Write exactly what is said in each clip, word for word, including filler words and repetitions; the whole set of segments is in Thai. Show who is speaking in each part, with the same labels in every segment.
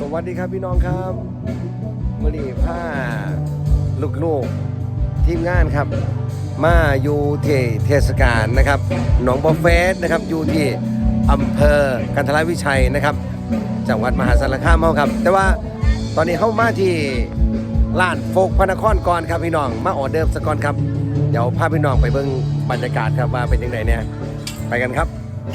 Speaker 1: วัสดีครับพี่น้องครับวันนี้ผ้าลูกๆทีมงานครับมาอยู่ที่เทศกาลนะครับหนองบัวเฟสนะครับอยู่ที่อำเภอกันทรวิชัยนะครับจังหวัดมหาสารคามเฮาครับแต่ว่าตอนนี้เข้ามาที่ร้านโฟกพระนครก่อนครับพี่น้องมาออเดิร์ฟสก่อนครับเดี๋ยวพาพี่น้องไปเบิ่งบรรยากาศครับว่าเป็นยังไงเนี่ยไปกันครับ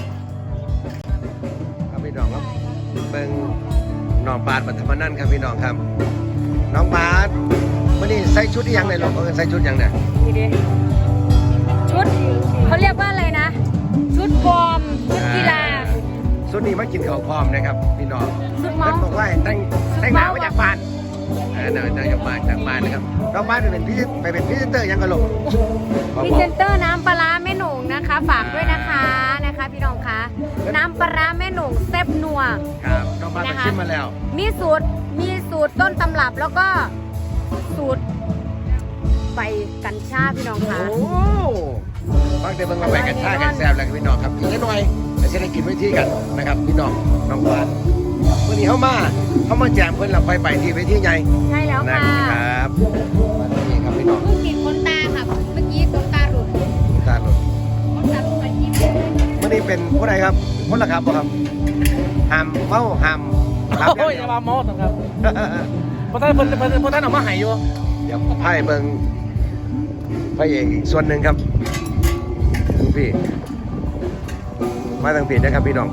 Speaker 1: ครับพี่น้องครับเบิ่งน้องบาสปัทมนันท์ครับพี่น้องครับน้องบาสวันนี้ใส่ชุดยังไงลูกเออใส่ชุดยังเนี่ย
Speaker 2: นี่ดิชุดเขาเรียกว่าอะไรนะชุดฟอร์มชุดกีฬา
Speaker 1: ชุดนี้มากินข้าวพร้อมนะครับพี่น้อง
Speaker 2: ชุด
Speaker 1: เพื่
Speaker 2: เมา
Speaker 1: อนบอกว่าแต่งแต่งหน้ามาจากบ้านเออเดินจากบ้านจากบ้านนะครับน้องบาสไปเป็นพี่ไปเป็นพรีเซนเตอร์ยังกันลูก
Speaker 2: พรีเซนเตอร์น้ำปลาร้าแม่หนุ่งนะคะฝากด้วยนะคะนะคะพี่น้องคะน้ำปลาร้าแม่หนุ่งแซ่บนัว
Speaker 1: ครับน้องบาสไปชิมมาแล้ว
Speaker 2: มีสูตรมีสูตรต้นตำรับแล้วก็สูตรใบกัญชาพี่น้องคะ
Speaker 1: โอ้บางเดือนบางวันไปกันชากันแซ่บแล้วพี่น้องครับอีกนิดหน่อยจะได้กินไว้ที่กันนะครับพี่น้องน้องบาสวันนี้เข้ามาเข้ามาแจมเพื่อนเราไปไปที่เวทีใหญ่
Speaker 2: ใช่แล้วค่ะ
Speaker 1: นะครับวันนี้ครับพี่น้อง
Speaker 2: เพิ่งติดขนตาค่ะเมื่อกี้ขนตาหลุด
Speaker 1: ตาหลุด
Speaker 2: ขนตาหลุดไปยิ้ม
Speaker 1: วันนี้เป็นผู้ใดครับคนละครับบ่ครับหามเมาหาม
Speaker 3: ครับโอ้ยอย่ามาเมาครับเพราะท่านเพราะท่านท่านออกมาหายอยู่
Speaker 1: เดี๋ยวไพ่เบิ่งพระเอกอีกส่วนหนึ่งครับทุกพี่มาทางผิดนะครับพี่น้อง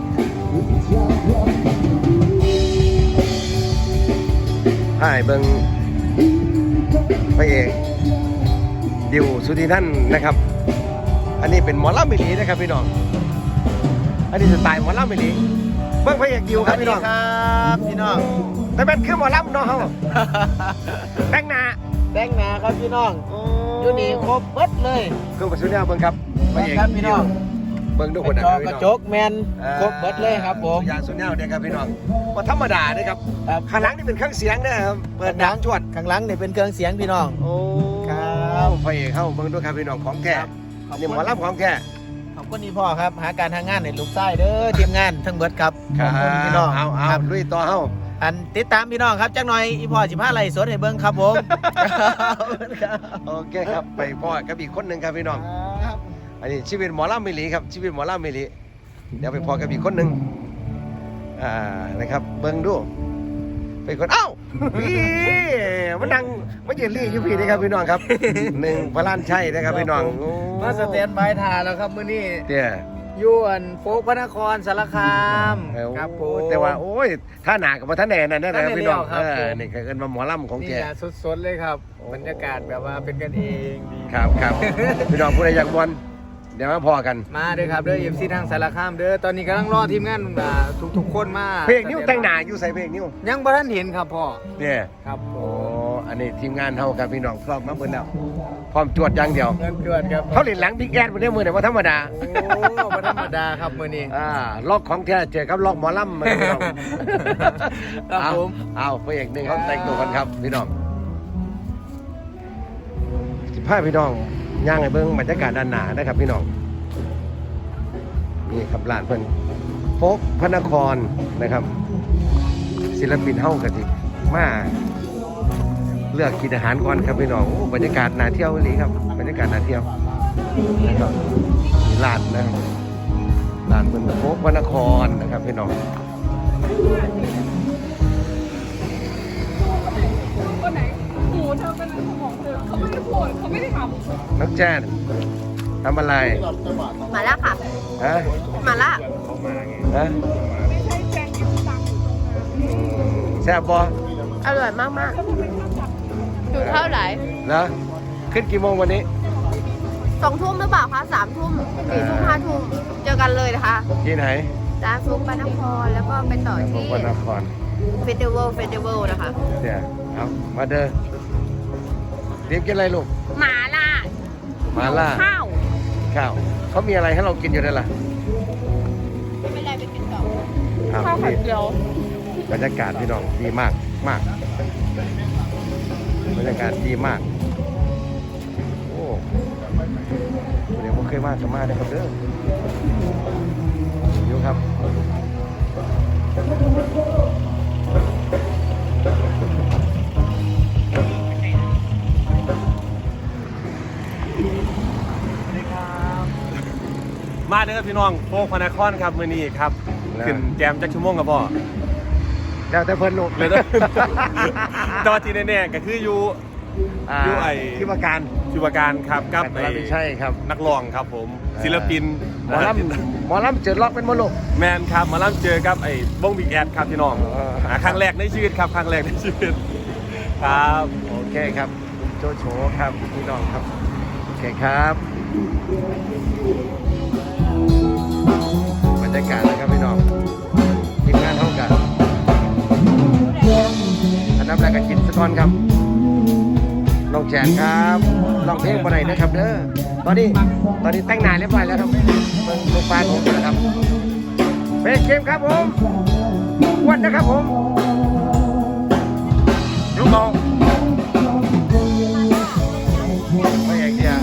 Speaker 1: ไพ่เบิ่งพระเอกดิวสุธีนันท์นะครับอันนี้เป็นหมอลำมิลีนะครับพี่น้องอันนี้สไตล์หมอลำมิลีเบิ่งพระเอกดิวครับพี่น้อง
Speaker 3: ครับพี่น้อง
Speaker 1: แต่เป็นคือหมอลำเนาะเขาแต่งหน้า
Speaker 3: แต่งหน้าครับพี่น้องอยู่นี่ครบเบิดเลย
Speaker 1: เครื่องประสุเนี่ยเบิ่งครับ
Speaker 3: พระเอกครับพี่น้อง
Speaker 1: เบิ่งทุกคนนะ
Speaker 3: กระจกแมนครบเบิดเลยครับผม
Speaker 1: ยางสุเนี่ยเนี่ยครับพี่น้องว่าธรรมดาเนี่ยครับข้างหลังนี่เป็นเครื่องเสียงนะครับเปิดดังจวด
Speaker 3: ข้างหลังนี่เป็นเครื่องเสียงพี่น้อง
Speaker 1: โอ้ครับพระเอกเข้าเบิ่งด้วยครับพี่น้องของแท้นี่หมอลำของแท้
Speaker 3: ขอบคุณนี่พ่อครับหาการทางงานในลูกไส้เด้อทีมงานทั้งเบิดครับ
Speaker 1: ขอบคุณพี่น้องเอาเอาลุยต่อเฮา
Speaker 3: อันติดตามพี่น้องครับจักหน่อยอีพ่อสิบห้าไร่สวนให้เบิ่งครับผม
Speaker 1: โอเคครับไปพ่อกับอีกคนหนึ่งครับพี่น้องอันนี้ชีวิตหมอลำมิลีครับชีวิตหมอลำมิลีเดี๋ยวไปพ่อกับอีกคนหนึ่งอ่านะครับเบิ่งดูไปคนเอ้าพี่มันดังมันยืนรีอยู่พี่นี่ครับพี่น้องครับหนึ่งพระล้านชัยนะครับพี่น้อง
Speaker 3: มาสเตนบายทาแล้วครับมื้อนี้
Speaker 1: เตี้ย
Speaker 3: ยวนโฟกพระนครสารคาม
Speaker 1: ครับผมแต่ว่าโอ้ยท่าหนากับท่าแหน่นั่นนะครับพี่น้องเออนี่คือเอิ้นมาหมอลำของแก
Speaker 3: นี่สดๆเลยครับบรรยากาศแบบว่าเป็นกันเองดี
Speaker 1: ครับครับพี่น้องผู้ใดอยากบอลเดี๋ยวมาพอกัน
Speaker 3: มาเด้อครับเด้อ เอ็ม ซี ทางสารคามเด้อตอนนี้กำลังรอทีมงานทุกๆคนมา
Speaker 1: เพลงนิ้วแต่งหน้าอยู่ใส่เพลงนิ้ว
Speaker 3: ยังบ่ทันเห็นครับพ่อ
Speaker 1: เนี่ย
Speaker 3: ครับโอ้
Speaker 1: อันนี้ทีมงานเฮาครับพี่น้องพร้อมมาเบิ่งแล้วพร้อมจวดอย่างเดียว
Speaker 3: เงินจวดครับ
Speaker 1: เขาเล่นหลังบิ๊กแอดบ่ได้มื้อนี้บ่ธรรมดา
Speaker 3: โอ้บ่ธรรมดาครับมื้อนี้
Speaker 1: อ่าล็อกของแท้เจอกับล็อกหมอลำมาพี่น้อง
Speaker 3: ครับผม
Speaker 1: เอาพระเอกนึงเขาแต่งตัวกันครับพี่น้องสิพาพี่น้องย่างให้เบิ่งบรรยากาศด้านหน้านะครับพี่น้องนี่ครับร้านเพิ่นโฟกพระนครนะครับศิลปินเฮากะสิมาเลือกกินอาหารก่อนครับพี่น้องบรรยากาศน่าเที่ยวเลยครับบรรยากาศน่าเที่ยวนะครับมีร้านนะครับร้านเพิ่นโฟกพระนครนะครับพี่น้อง
Speaker 2: คนไหนหมูเธอเป็นของเธอเขาไม่ได้โกรธเขาไม่ได้ทำ
Speaker 1: นักแจ้นทำอะไร
Speaker 2: มาแล้วค่ะ
Speaker 1: ฮะ
Speaker 2: มาละ
Speaker 1: ฮะ
Speaker 2: ไม่ใช่แจงกินตังค์
Speaker 1: แซ่บบ่
Speaker 2: อร่อยมากมากดูเท่าไหร่
Speaker 1: แล้วขึ้นกี่โมงวันนี้
Speaker 2: สองทุ่มหรือเปล่าคะสามทุ่มสี่ทุ่มห้าทุ่มเจอกันเลยนะคะ
Speaker 1: ที่ไหน
Speaker 2: ร้านซุปปานครแล้วก็ไปต่อที่
Speaker 1: ปานคร
Speaker 2: เฟสติวัลเฟสติวัลนะคะ
Speaker 1: เนี่ยเอามาเด้อเรียกกินอะไรลูก
Speaker 2: หมาล่า
Speaker 1: หมาล่า
Speaker 2: ข้าว
Speaker 1: ข้าวเขามีอะไรให้เรากินอยู่ได้ล่ะ
Speaker 2: ไม่เป็นไรไปกินต่อ
Speaker 1: ข้าวไข่เจียวบรรยากาศพี่น้องดีมากมากบรรยากาศดีมากโอ้เดี๋ยวผมเคยมาจะมาได้ครับเด้ออยู่ครับ
Speaker 4: มาเด้อพี่น้องโฟกพนครครับมื้อนี้ครับขึ้นแจมจักชั่วโมงครับพ่อ
Speaker 1: แล้วแต่เพิ่นลูก
Speaker 4: เลยนะ แต่ว่าที่แน่ๆก็คืออยู่
Speaker 1: อ่า
Speaker 4: อยู่ไอ้
Speaker 1: ที่ว่าการ
Speaker 4: ชีวการครับกับ
Speaker 1: แต่ไม่ใช่ครับ
Speaker 4: นักร้องครับผม ศิลปิน
Speaker 1: หมอลำหมอลำเจอล็อกเป็นมรลูก
Speaker 4: แมนครับมาล่ำเจอกับไอ้วงบิ๊กแอดครับพี่น้อง
Speaker 1: อ๋อ
Speaker 4: หาครั้งแรกในชีวิตครับครั้งแรกในชีวิตครับ
Speaker 1: โอเคครับคุณโจโฉครับพี่น้องครับโอเคครับบรรยากาศนะครับพี่น้องทีมงานเท่ากันอันดับแรกก็กินสกอนครับน้องแจนครับลองเพลงบ่ได้นะครับเด้อตอนนี้ตอนนี้แต่งหน้าเรียบร้อยแล้วครับเบิ่งลูกปลาผมอยู่นะครับเบสเกมครับผมอ้วันนะครับผมลูกมองไม่อย่างเดียว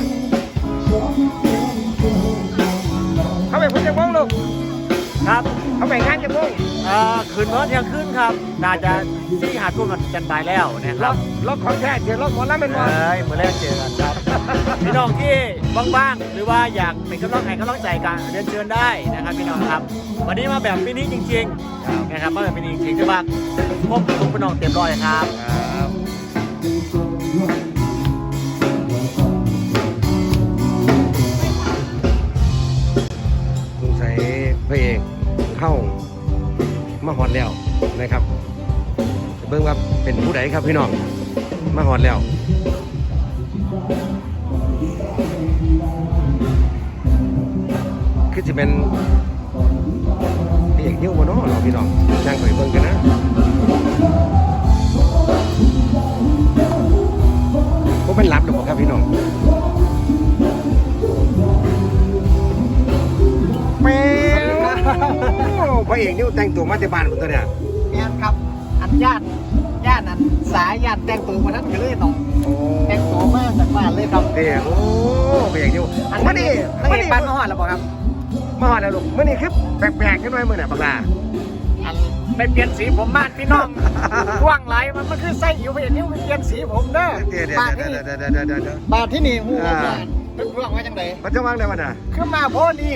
Speaker 1: เขาไปพุ่งจะมองลูก
Speaker 3: ครับ
Speaker 1: เขาไปงานจะมอง
Speaker 3: เอ่อคืนเมื่อเที่ยงคืนครับน่าจะที่หาทุ่มกันจันบายแล้วนะค
Speaker 1: ล็
Speaker 3: รั
Speaker 1: อบ กล็อกของแท้เจอล็อกหมอลำเป็นบอล
Speaker 3: เอ้ยเมื่อแรกเจอกันครับ พี่น้องที่ว่างๆหรือว่าอยากเป็นกำลังใจกำลังใจกันเรียนเชิญได้นะครับพี่น้องครับ วันนี้มาแบบมินิจริงๆนะครับมาแบบมินิจริงๆที่ว่าพบทุกพี่น้องเต็มร้อยครับ
Speaker 1: ครับสงสัยพระเอกเข้ามาหอดแล้วนะครับเบิ่งว่าเป็นผู้ใดครับพี่น้องมาหอดแล้วคือจะเป็นพระเอกนิ้วมาเนาะเราพี่น้องนั่งไปเบิ่งกันนะผมเป็นรับหรือเปล่าครับพี่น้องแม่พระเอกนิ้วแต่งตัวมาแต่บ้านผมตัวเนี่ย
Speaker 3: แม่นครับอันญาติญาติอันสายญาติแต่งตัวมาทั้งกันเลยน้อง
Speaker 1: โอ้
Speaker 3: แต่งตัวมาจากบ้านเลยครับ
Speaker 1: เดี๋ยวโอ้พระเอกนิ้ว
Speaker 3: อัน
Speaker 1: มา
Speaker 3: นี้
Speaker 1: ดิ
Speaker 3: นัก
Speaker 1: มา
Speaker 3: เอ
Speaker 1: ดิ
Speaker 3: กบ้านมาหอดแล้วบอกครับ
Speaker 1: มาหอดแล้วลูกมื่อนี้คือแปลกๆกันหน่อยมื่อน่ะบักลา
Speaker 3: อันไปเปลี่ยนสีผมบ้านพี่น้องว่างไหลมันมันคือไส้อยู่ไปอย่างนี้มันเปลี่ยนสีผมเด้อ
Speaker 1: เดี๋ยวเดี๋ยว
Speaker 3: บ้าน
Speaker 1: เดี๋
Speaker 3: ที่
Speaker 1: ยว
Speaker 3: นี่
Speaker 1: เดี๋ยวเดี๋ยวเดี๋ยวเดี๋ยวเดี๋ยว
Speaker 3: บ้านที่นี่หู
Speaker 1: อ่า
Speaker 3: บ้านเป็นเรื่องไว้จังได
Speaker 1: มันจะวางได้วันน่ะ
Speaker 3: คือมาโพนี่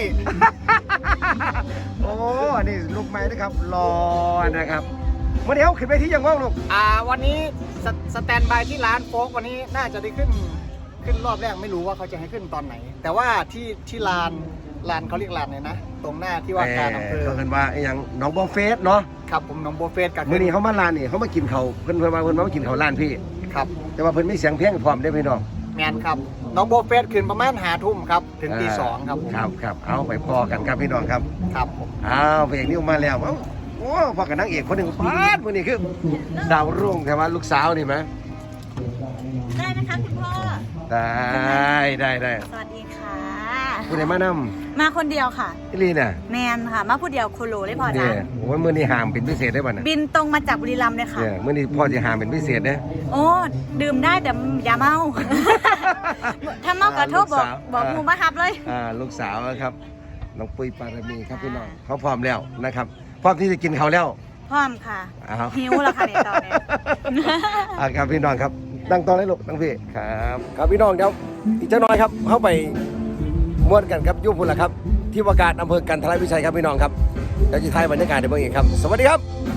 Speaker 1: โอ้อันนี้ลูกไม้นะครับรอนะครับมื่อนี้เขาขึ้นไปที่ยังว่างลูก
Speaker 3: อ่าวันนี้สสแตนบายที่ร้านโฟกวันนี้น่าจะได้ขึ้นขึ้นรอบแรกไม่รู้ว่าเขาจะให้ขึ้นตอนไหน แต่ว่าที่ที่ลานลานเขาเรียกลานเลยนะ ตรงหน้าที่ว่าการอำเภอ
Speaker 1: เขาเห็นว่าไอ้หยังน้องบอเฟสเนาะ
Speaker 3: ครับผมน้องโบเฟสกับ
Speaker 1: มื่อนี้เขามาร้านนี่เขามากินเขาวเพิ่นเพิ่นมาเพิ่นมากินเขาวร้านพี่
Speaker 3: ครับ
Speaker 1: แต่ว่าเพิ่นไม่เสียงเพลงพร้อมได้อพี่น้อง
Speaker 3: แมนครับน้องโบเฟสขึ้นประมาณหาทุ่มครับถึงตีสองครับผม
Speaker 1: ครับครับเอาไปพอกันครับพี่น้องครับ
Speaker 3: ครับผม
Speaker 1: เอาพระเอกนิ้วมาแล้วเอ้าโอ้พอกับนางเอกคนหนึ่งปาดมื่อนี้คือดาวรุ่งแต่ว่าลูกสาวนี่ไหม
Speaker 5: ได้ไหมคะคุณพ่อ
Speaker 1: ได้ได้ได้
Speaker 5: สวัสดีค่ะ
Speaker 1: คุณไหนมาน
Speaker 5: มาคนเดียวค่ะ
Speaker 1: ำพี่ลีน่ะ
Speaker 5: แมนค่ะ มาผู้เดียวโคโลเลยพอ
Speaker 1: เนี่
Speaker 5: จ้ะ
Speaker 1: ยโอ้ยมื่อนี้หามเป็นพิเศษได้ป่ะเนี่ย
Speaker 5: บินตรงมาจากบุรีรัมย์เลยค่ะ
Speaker 1: เนี่ยมื่อนี้พ่อจะหามเป็นพิเศษนะ
Speaker 5: โอ้ ดื่มได้แต่อย่าเมา ถ้าเมากระทบบอกบอกหมูมาฮับเลย
Speaker 1: อ่าลูกสาวครับน้องปุ้ยปารมีครับพี่น้องเขาพร้อมแล้วนะครับพร้อมที่จะกินเขาวแล้ว
Speaker 5: พร้อมค่ะ
Speaker 1: อ้าว
Speaker 5: หิวแล้วค่ะในตอนนี้
Speaker 1: อ่าครับพี่น้องครับตั้งตอนให้ลูกตั้งพี่ครับครับพี่น้องเดี๋ยวอีกเจ้าน้อยครับเข้าไปม้วนกันครับยุพุนละครับ ที่ว่าการอำเภอกันทรวิชัยครับพี่น้องครับเดี๋ยวจะถ่ายบรรยากาศในเมืองอีกครับ สวัสดีครับ